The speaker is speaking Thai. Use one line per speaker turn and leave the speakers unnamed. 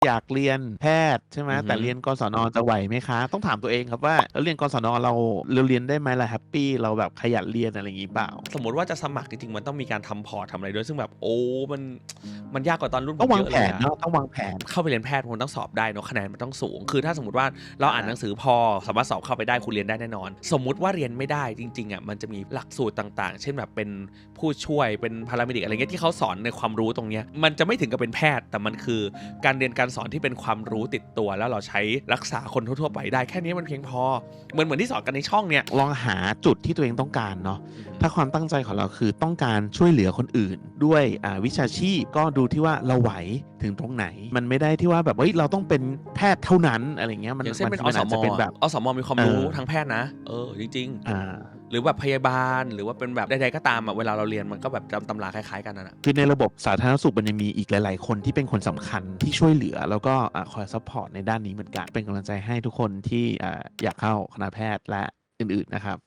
อยากเรียนแพทย์ใช่ไหมแต่เรียนกศนจะไหวไหมคะต้องถามตัวเองครับว่าเรียนกศนเราเรียนได้ไหมล่ะแฮปปี้เราแบบขยันเรียนอะไรอย่างนี้เปล่า
สมมติว่าจะสมัครจริงๆมันต้องมีการทำพอร์ตทำอะไรด้วยซึ่งแบบโอ้มันยากกว่าตอนรุ่นผ
ต้องวาง
มเยอะเลยอะ
แผนเนาะต้องวางแผน
เข้าไปเรียนแพทย์มันต้องสอบได้เนาะคะแนนมันต้องสูงคือถ้าสมมติว่าเราอ่านหนังสือพอสามารถสอบเข้าไปได้คุณเรียนได้แน่นอนสมมุติว่าเรียนไม่ได้จริงๆอะมันจะมีหลักสูตรต่างๆเช่นแบบเป็นผู้ช่วยเป็นพาราเมดิกอะไรเงี้ยที่เขาสอนในความรู้ตรงเนี้ยมันจะไม่ถึงกับเป็นแพทย์แต่มันคือการเรียนการสอนที่เป็นความรู้ติดตัวแล้วเราใช้รักษาคนทั่วๆไปได้แค่นี้มันเพียงพอเหมือนที่สอนกันในช่องเนี่ย
ลองหาจุดที่ตัวเองต้องการเนาะถ้าความตั้งใจของเราคือต้องการช่วยเหลือคนอื่นด้วยวิชาชีพก็ดูที่ว่าเราไหวถึงตรงไหนมันไม่ได้ที่ว่าแบบเราต้องเป็นแพทย์เท่านั้นอะไรเงี้ยมัน
อย่างเช่นเป็น
อาจจะเป็นแบบ
อสมมีความรู้ทางแพทย์นะจริงๆหรือแบบพยาบาลหรือว่าเป็นแบบใดๆก็ตามเวลาเราเรียนมันก็แบบจำตำราคล้ายๆกันนั่นแหละ
คือในระบบสาธารณสุขมันยังมีอีกหลายๆคนที่เป็นคนสำคัญที่ช่วยเหลือแล้วก็คอยซัพพอร์ตในด้านนี้เหมือนกันเป็นกำลังใจให้ทุกคนที่อยากเข้าคณะแพทย์และอื่นๆนะครับ